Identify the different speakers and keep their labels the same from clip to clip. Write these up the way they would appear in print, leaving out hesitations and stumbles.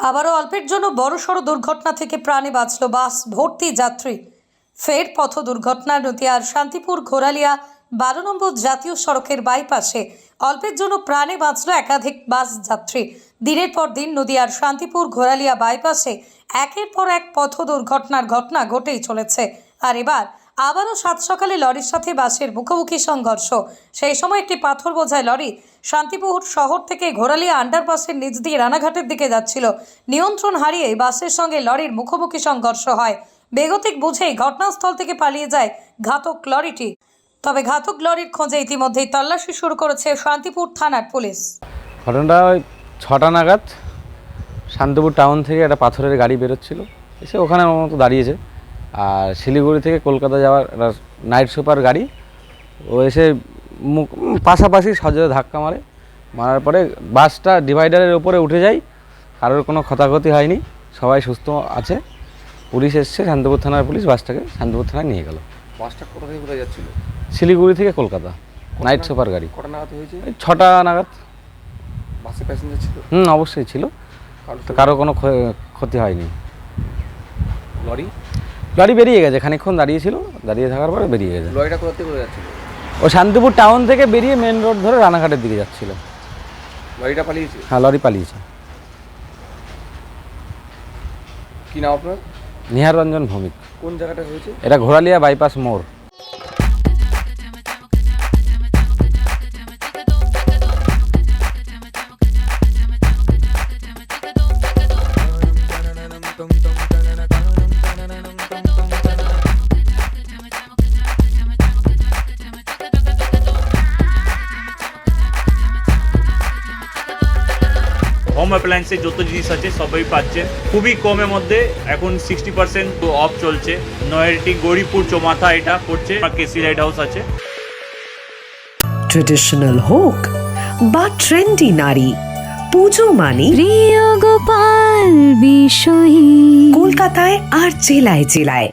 Speaker 1: আবারও অল্পের জন্য বড়সড় দুর্ঘটনা থেকে প্রাণে বাঁচল বাস ভর্তি যাত্রী। ফের পথ দুর্ঘটনা নদিয়ার শান্তিপুর ঘোরালিয়া 12 নম্বর জাতীয় সড়কের বাইপাসে অল্পের জন্য প্রাণে বাঁচল একাধিক বাস যাত্রী। দিনের পর দিন নদিয়ার শান্তিপুর ঘোরালিয়া বাইপাসে একের পর এক পথ দুর্ঘটনার ঘটনা ঘটেই চলেছে। আর এবার আবারও সাত সকালে লরির সাথে বাসের মুখোমুখি সংঘর্ষ। সেই সময় একটি পাথর বোঝাই লরি শান্তিপুর শহর থেকে ঘোরালিয়া আন্ডারপাসের নিচ দিয়ে রানাঘাটের দিকে যাচ্ছিল। নিয়ন্ত্রণ হারিয়ে বাসের সঙ্গে লরির মুখোমুখি সংঘর্ষ হয়। বেগতিক বুঝেই ঘটনাস্থল থেকে পালিয়ে যায় ঘাতক লরিটি। তবে ঘাতক লরির খোঁজে ইতিমধ্যেই তল্লাশি শুরু করেছে শান্তিপুর থানার পুলিশ।
Speaker 2: ঘটনাটা ওই 6টা নাগাদ শান্তিপুর টাউন থেকে একটা পাথরের গাড়ি বেরোচ্ছিল, এসে ওখানে আমার মতো দাঁড়িয়েছে। আর শিলিগুড়ি থেকে কলকাতা যাওয়ার একটা নাইট সুপার গাড়ি ও এসে পাশাপাশি সজোরে ধাক্কা মারার পরে বাসটা ডিভাইডারের উপরে উঠে যায়। কারোর কোনো ক্ষয়ক্ষতি হয়নি, সবাই সুস্থ আছে। পুলিশ এসছে, শান্তিপুর থানার পুলিশ বাসটাকে শান্তিপুর থানায় নিয়ে গেল।
Speaker 3: বাসটা কোথা থেকে কোথায় যাচ্ছিল?
Speaker 2: শিলিগুড়ি থেকে কলকাতা নাইট সুপার গাড়ি।
Speaker 3: কটা নাগাদ হয়েছে?
Speaker 2: 6টা নাগাদ।
Speaker 3: বাসে প্যাসেঞ্জার ছিল?
Speaker 2: অবশ্যই ছিল, কারো কোনো ক্ষতি হয়নি। লরি বেরিয়ে গেছে, খানিকক্ষণ দাঁড়িয়েছিল, দাঁড়িয়ে থাকার পরে বেরিয়ে গেছে।
Speaker 3: লরিটা কোথা থেকে কোথায় যাচ্ছিল?
Speaker 2: ও শান্তিপুর টাউন থেকে বেরিয়ে মেন রোড ধরে রানাঘাটের দিকে যাচ্ছিল।
Speaker 3: লরিটা পালিয়েছে?
Speaker 2: হ্যাঁ, লরি পালিয়েছে।
Speaker 3: কি নাম আপনার?
Speaker 2: নিহার রঞ্জন ভৌমিক।
Speaker 3: কোন জায়গাটা হয়েছে?
Speaker 2: এটা ঘোরালিয়া বাইপাস মোড়।
Speaker 4: হোম অ্যাপ্লায়েন্সের যত জিনিস আছে সবই পাচ্ছেন খুবই কমের মধ্যে। এখন 60% অফ চলছে। নয়ারটি গৌরীপুর চৌমাথা এটা পড়ছে, কেসি লাইট হাউস আছে।
Speaker 5: ট্রেডিশনাল হোক বা ট্রেন্ডি নারী, পুজো মানে
Speaker 6: প্রিয় গোপাল বিষয়ী
Speaker 5: কলকাতায় আর জেলায় জেলায়।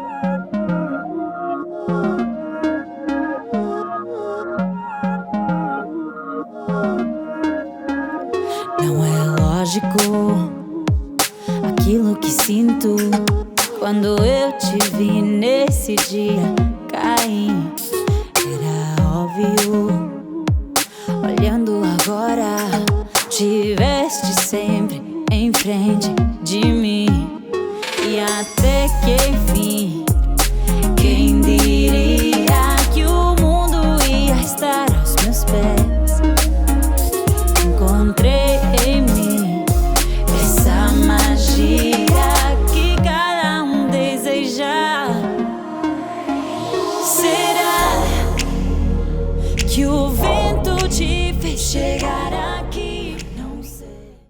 Speaker 6: Não é lógico aquilo que sinto quando eu te vi nesse dia cair. Era óbvio, olhando agora, tiveste sempre em frente de mim. E até que enfim, quem diria que o mundo ia estar aos meus pés. Encontrei em mim essa magia que cada deseja. Será que o vento te fez chegar?